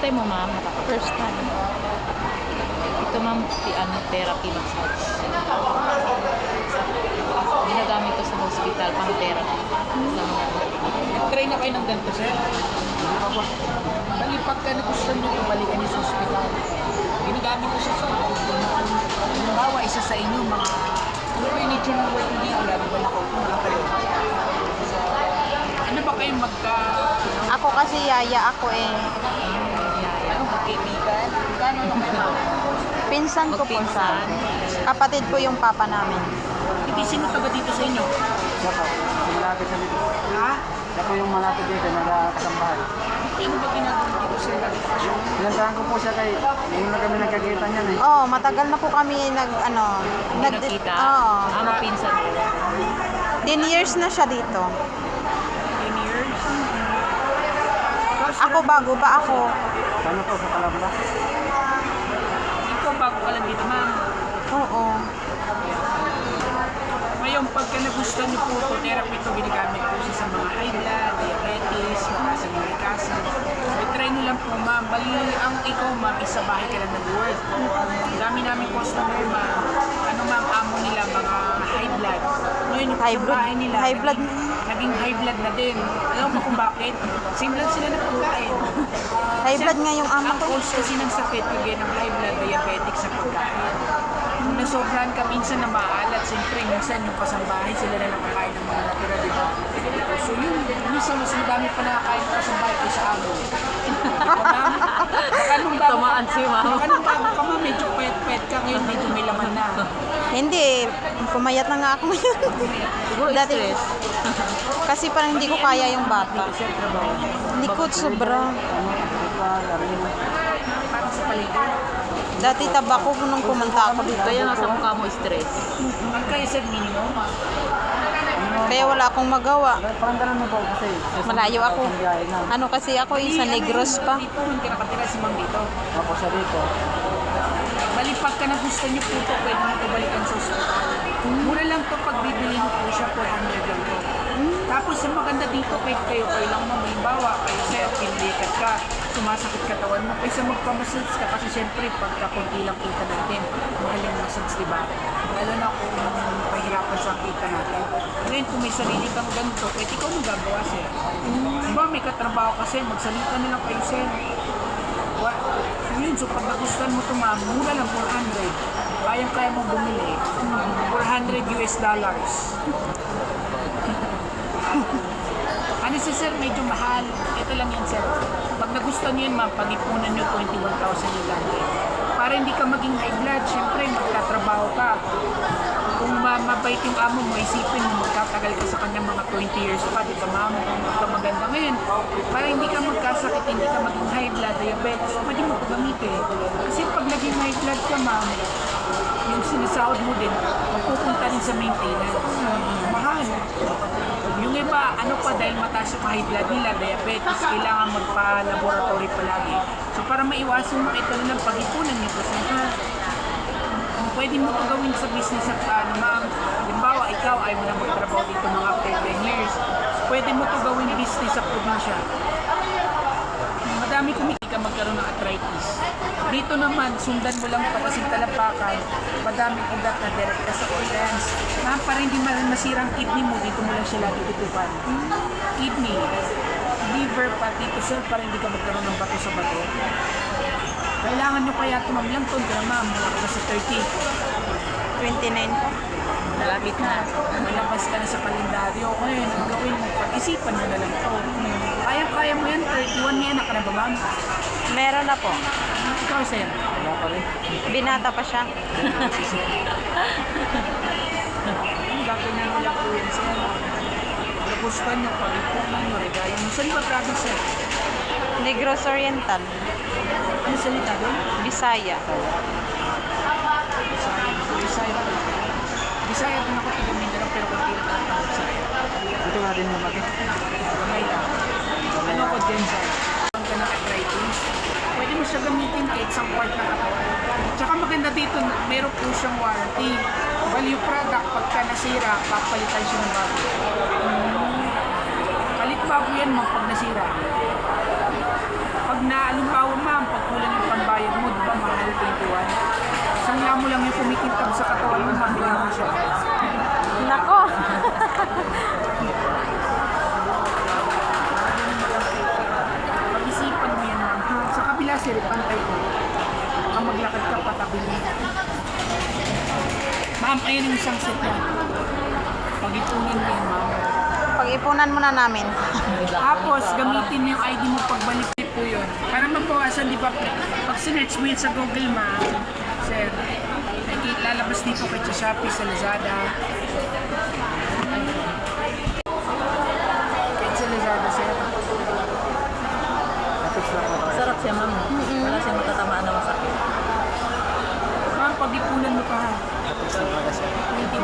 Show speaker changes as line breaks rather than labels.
time mo, ma'am? First time. Ito, ma'am, therapy massage. Ginagamit ko sa hospital, pang therapy.
Try na kayo ng ganito, sir? Hindi pa po. Bali, pagka nagustuhan nyo, balikan nyo sa hospital. Ginagamit ko siya sa hospital. Halimbawa, isa sa inyo, mga ano ba yung nature ng work dito? Lalo ba nakaupo na kayo? Ano ba kayong
Ako kasi yaya ako eh.
Ano, magkaibigan? Gano'n na kayo?
Pinsan ko po siya. Kapatid ko yung papa namin.
Hindi, sino taga dito sa inyo?
Siya po, yung malapit sa dito.
Ha?
Siya po yung malapit dito, nagkasambahay.
Ano ba ginagawa dito sa inyo?
Pinantahan ko po siya kay, ngayon na kami nagkakita niyan eh.
Oh, matagal na po kami
Nakita?
Oo.
Mapinsan ko.
10 years na siya dito.
10 years?
Ako bago pa ako.
Ano po, sa Calamba?
Ikaw bago ka lang dito, ma'am.
Oo.
Ngayon, pagka nagustuhan niyo po ito, therapy ito, ginagamit po siya sa mga high blood, diabetes, mataas ang uric acid. I-try niyo lang po, ma'am. Bali, ang ikaw, ma'am, isa bahay ka lang nag-work. Ang dami namin customer, ma'am. Ano, ma'am, amo nila, mga high blood. Ngayon, yung
High
sa
blood?
bahay nila,
High blood?
naging high blood na din. Alam mo kung bakit? Same lang sila ng pagkain.
High blood nga yung amo
Ang
ko.
cause kasi ng sakit, kagaya ng high blood, diabetic sa pagkain. Kung nasobrahan ka minsan na maalat, siyempre minsan yung kasambahay sila na nakakain ng mga natira, di ba? So yun, minsan mas madami pa nakakain ng kasambahay kaysa amo. Baka nung bago
Tamaan si ma'am.
Baka nung bago ka ma'am, medyo pet-pet ka, ngayon medyo may laman na.
Hindi, pumayat na nga ako ngayon.
Siguro
Dati,
stress.
kasi parang hindi ko kaya yung bata. Likod sobra.
Parang sa paligid.
Dati taba ko nung pumunta ako dito.
Kaya nga sa mukha mo stress.
Ang kaya sir, minimum.
Kaya wala akong magawa.
Parang ganun mo po kasi.
Malayo ako.
Biyahe na.
Ano kasi ako sa Negros pa.
Dito, hindi nakatira si ma'am dito.
Ako siya dito.
Bali, pagka nagustuhan niyo po ito, pwede mo ito balikan sa hospital. Mura lang ito pag bibili niyo po siya, 400 lang ito. Tapos, ang maganda dito, pwede kayo lang malimbawa, kayo sir, pinilikat ka, sumasakit katawan mo, kaysa magpamassage ka, kasi syempre, pagka konti lang kita natin, mahal yung massage, diba? Lalo na kung pahirapan sa kita natin. Ngayon, kung may sarili kang ganito, pwede ikaw magagawa, sir. Diba, may katrabaho kasi, magsalita na lang kayo, sir. So yun, so pag nagustuhan mo ito ma'am, mura lang 400. Kayang-kaya mo bumili. 400 US dollars. Ano si sir, medyo mahal. Ito lang yan sir. Pag nagustuhan nyo yun ma'am, pag-ipunan nyo 21,000 yung gante. Para hindi ka maging high blood, syempre magtatrabaho ka. Kung mabait yung amo mo, isipin mo, magtatagal ka sa kanya mga 20 years pa, di ba ma'am? Kung maganda ngayon, para hindi ka magkasakit, hindi ka maging high blood, diabetes, pwede mo ito gamitin. Kasi pag naging high blood ka ma'am, yung sinasahod mo din, mapupunta rin sa maintenance. Mahal. Yung iba, ano pa, dahil mataas yung high blood nila, diabetes, kailangan magpa-laboratory palagi. So para maiwasan mo ito ng pag-ipunan nyo, kasi pwede mo ito gawin sa business at ma'am. Halimbawa, ikaw ay mo na magtrabaho dito mga after 10 years. Pwede mo ito gawin business sa probinsya. Madami kumiti ka magkaroon ng arthritis. Dito naman, sundan mo lang ito kasi talapakan. Madaming ugat na direct ka sa organs. Ma'am, para hindi masirang kidney mo, dito mo lang siya lagi tutupan. Kidney, liver, pati ito sir, para hindi ka magkaroon ng bato sa bato. Kailangan nyo kaya tumamlang ton ka na ma'am, wala ka na sa 30.
29 po.
Malapit na.
Malabas ka na sa kalendaryo. Ngayon, ang gawin mo, pag-isipan mo na lang ito. Kaya mo yan, 31 may anak ka na ba ma'am?
Meron na po.
Ikaw sir.
Wala pa rin.
Binata pa siya.
Ang gagawin na nila po yan sir. Nagustuhan nyo, pag-ipunan nyo, regalo mo. Saan ba province sir?
Negros Oriental.
Ano salita doon?
Bisaya.
Bisaya. Bisaya din ako taga Mindanao pero kung tila ka ng Bisaya.
Dito nga din yung laki.
Gamay lang. Ano ko dyan sir? Ang ka ng arthritis, pwede mo siya gamitin kahit isang part na katawan. Tsaka maganda dito, meron po siyang warranty. Value product, pagka nasira, papalitan siya ng bago. Palit bago yan mo pag nasira. Pag naalimbawa ma'am, bayad mo, di ba, mahal 21. Isang mo lang yung kumikintab sa katawan mo, mabili mo siya.
Nako.
Pag-isipan mo yan, ma'am. Sa kabila, sir, pantay ko. Baka maglakad ka patabi mo. Ma'am, ayun yung isang set na. Pag-ipunin mo yan, ma'am.
Pag-ipunan muna namin.
Tapos, gamitin mo yung ID mo pagbalik po yun. Para mabawasan, di ba, pag sinerch mo yun sa Google, ma'am, sir, lalabas dito kay sa Shopee, sa Lazada. Kahit sa Lazada, sir.
Tapos na po tayo.
Sarap siya, ma'am. Wala siyang matatamaan na masakit.
Ma'am, pag-ipunan mo pa ha.
Tapos na po kasi.
21